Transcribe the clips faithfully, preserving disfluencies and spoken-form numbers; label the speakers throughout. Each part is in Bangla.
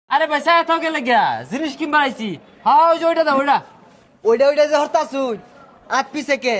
Speaker 1: আরে ভাই সায়া থাও গেলে গিয়া জিনিস কিনবার আইছি। হ্যাঁ ওই যে ওইটা দাও ওইটা।
Speaker 2: ওইটা ওইটা যে হরতাছুন আট পিছে কে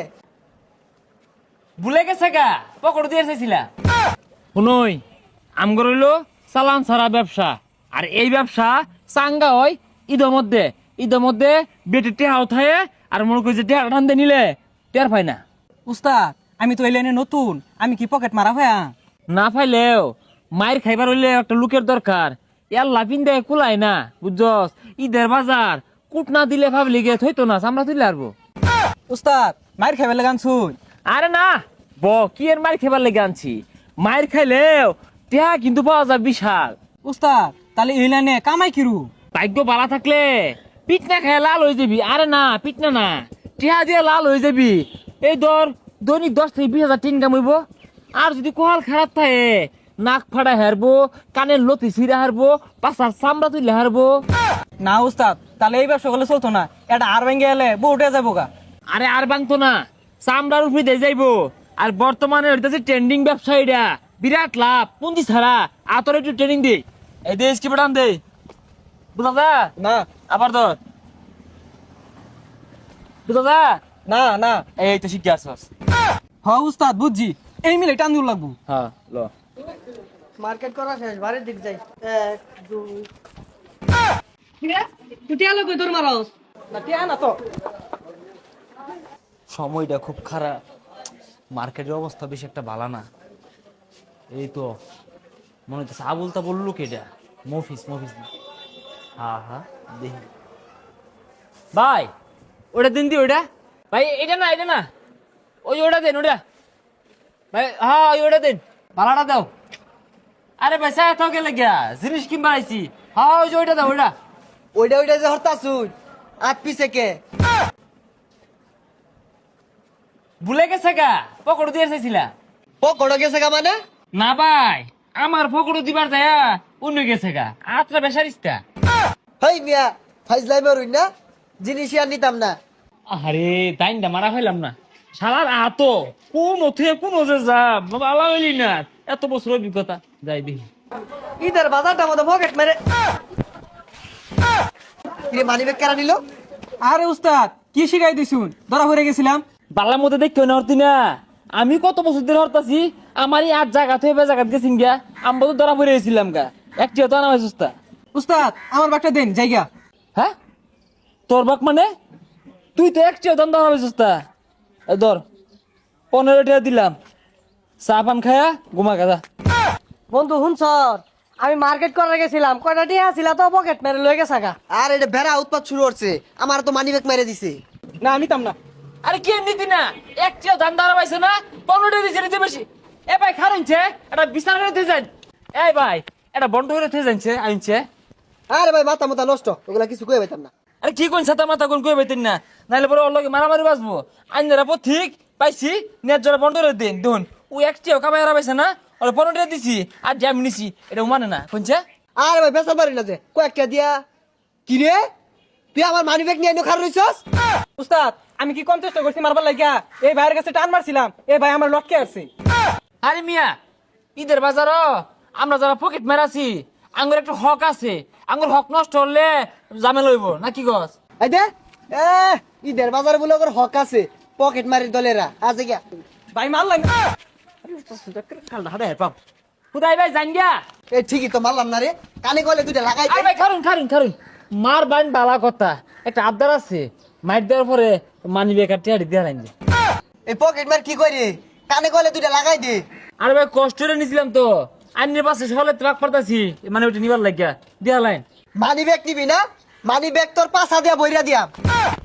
Speaker 1: ভুলে গেছে গা পকড় দিয়ে চাইছিলা। শুনই আমগর হইলো চালান ছাড়া ব্যবসা, আর এই ব্যবসা চাঙ্গা হয় ঈদের মধ্যে। ঈদের মধ্যে বেটে টেহা উঠায় আর মনে করি যে টেহা টানতে নিলে টের পাই না।
Speaker 3: উস্তাদ আমি তো এই লাইনে নতুন, আমি কি পকেট মারা হয়ে
Speaker 1: না পাইলেও মায়ের খাইবার হইলে একটা লোকের দরকার। ইয়ার লাফিন দেয় কুলাই না বুঝছস। ঈদের বাজার কুট না দিলে ভাবলি গে থইতো না চামড়া তুলে আরবো।
Speaker 3: উস্তাদ মায়ের খাইবার লাগান শুন।
Speaker 1: আরে না ব কি এর মায়ের খাইবার লেগে আনছি। মায়ের খাইলেও টেহা কিন্তু পাওয়া যায় বিশাল।
Speaker 3: উস্তাদ তাহলে এই লাইনে কামাই কিরু?
Speaker 1: ভাগ্য বালা থাকলে পিটনা খায় লাল হয়ে যাবি। আরে না পিটনা না, টেহা দিয়ে লাল হয়ে যাবি। এই ধর দৈনিক দশ থেকে বিশ হাজার টিন কামাইব। আর যদি কোহাল খারাপ থাকে নাক ফাড়া হারবো, কানের লতি ছিঁড়া হারবো, পাশার চামড়া তুলে হারবো।
Speaker 3: না উস্তাদ তাহলে এই ব্যবসা করলে চলতো না, এটা আর ভেঙে এলে বউ উঠে যাবো গা।
Speaker 1: আরে আর বাংতো না, চামড়ার উপরে দিয়ে যাইবো। আর বর্তমানে হইতেছে ট্রেন্ডিং ব্যবসা, এটা বিরাট লাভ পুঁজি ছাড়া। আতর একটু ট্রেনিং দে, এই দেশ কি বেটান দে বুঝা যা
Speaker 3: না
Speaker 1: আবার ধর বুঝা যা।
Speaker 3: না না
Speaker 1: এই তো শিখে আসছ।
Speaker 3: হ উস্তাদ বুঝছি, এই মিলে টান দূর লাগবো।
Speaker 1: হ্যাঁ ল
Speaker 2: মার্কেট করা শেষ বাড়ির দিক যাই এক দুই
Speaker 3: তুই টিয়া লোক তোর মারস না টিয়া না তো।
Speaker 1: সময়টা খুব খারাপ, মার্কেটের অবস্থা বেশি একটা ভালো না। এই তো মনে হচ্ছে আবুল তা বললো কেটা মফিস মফিস না। হ্যাঁ হ্যাঁ দেখি ভাই ওটা দিন দি ওটা ভাই। এটা না এটা না ওই ওটা দেন ওটা ভাই। হ্যাঁ ওই ওটা দেন ভাড়াটা দাও। আরে ভাই সায়া থাও গেলে গিয়া জিনিস কিনবার আইছি। হ্যাঁ ওই যে ওইটা দাও ওইটা।
Speaker 2: ওইটা ওইটা যে হরতাছুন আট পিছে কে
Speaker 1: ভুলে গেছে গা পকড় দিয়ে চাইছিলা।
Speaker 2: পকড় গেছে গা মানে
Speaker 1: না ভাই আমার পকড় দিবার যায় অন্য গেছে গা আত্রা বেসারিস্তা।
Speaker 2: হেই মিয়া ফাইজলাই মারুন না জিনিস আর নিতাম না।
Speaker 1: আরে তাইনটা মারা হইলাম না শালার আতো কোন ওথে কোন ওজে যা বাবা আলা হইলি না। এত বছর অভিজ্ঞতা যাই দেখি।
Speaker 2: ঈদের বাজারটা মতো পকেট মেরে মানি ব্যাগ কেরা নিল।
Speaker 3: আরে উস্তাদ কি শিখাই দিছুন, ধরা পড়ে গেছিলাম।
Speaker 1: বাংলার মধ্যে দেখতে না হরতি না। আমি কত বছর ধরে হরতাছি, আমার এই আট জায়গা থেকে জায়গা গেছিন গা। আমরা তো ধরা পড়ে গেছিলাম গা। একটি হতো না সুস্তা।
Speaker 3: উস্তাদ আমার বাগটা দেন জায়গা।
Speaker 1: হ্যাঁ তোর বাক মানে তুই তো একটি হতো ধরা হয়েছিস তা। এই ধর পনেরো টাকা দিলাম, চা পান খায়া ঘুমা গাদা।
Speaker 2: বন্ধু শুনছর আমি মার্কেট করার গেছিলাম কয়টা টিয়া ছিল তো পকেট মেরে লয়ে গেছে গা। আর এটা বেড়া উৎপাত শুরু করছে, আমার তো মানি ব্যাগ মেরে দিছে।
Speaker 3: না নিতাম না।
Speaker 1: আরে কি নিতি না একটিও ধান ধরা পাইছে না। পনেরো দিছে নিতে বেশি। এ ভাই খারুনছে এটা বিছানা করে থেকে যান। এই ভাই এটা বন্ধ করে থেকে যাচ্ছে আইনছে।
Speaker 2: আরে ভাই মাথা মাথা নষ্ট, ওগুলা কিছু কয়ে পাইতাম না।
Speaker 1: আরে কি কোন ছাতা মাথা কোন কই পাইতেন না, নাইলে পরে ওর লগে মারামারি বাঁচবো। আইনারা পর ঠিক পাইছি নেট জোড়া বন্ধ করে দিন দেখুন। ও একটিও কামাই হারা পাইছে না, ওরা পনেরো টাকা দিছি আর যে আমি নিছি এটা মানে না কোনছে।
Speaker 2: আরে ভাই বেসা পারি না যে কয়েকটা দিয়া কি রে তুই আমার মানি ব্যাগ নিয়ে খার রইছস।
Speaker 3: উস্তাদ আমি কি কম চেষ্টা করছি মারবার লাগিয়া, এই ভাইয়ের কাছে টান মারছিলাম, এই ভাই আমার লটকে আসছে।
Speaker 1: আরে মিয়া ঈদের বাজার আমরা যারা পকেট মেরাছি আঙ্গুর একটা হক আছে। আঙ্গুর হক নষ্ট হলে জামে লইব না কি গছ।
Speaker 2: এই দে এ ঈদের বাজারে বলে ওর হক আছে, পকেট মারির দলেরা আছে গিয়া।
Speaker 3: ভাই মারলাম।
Speaker 1: কালটা হাতে পাম খুদাই ভাই জান গিয়া।
Speaker 2: এ ঠিকই তো মারলাম না রে, কানে কলে দুইটা লাগাই
Speaker 1: আরে ভাই খারুন খারুন খারুন মার বাইন বালা কথা। একটা আবদার আছে, মাইর দেওয়ার পরে মানি বেকার টিয়ারি দিয়ে লাইন দে।
Speaker 2: এই পকেট মার কি করে কানে কলে দুইটা লাগাই দে।
Speaker 1: আরে ভাই কষ্ট করে নিছিলাম তো আইনের পাশে সকালে ট্রাক পাঠাছি মানে ওইটা নিবার লাগিয়া দিয়া লাইন।
Speaker 2: মানি ব্যাগ নিবি না, মানি ব্যাগ তোর পাশা দিয়া বইরা দিয়াম।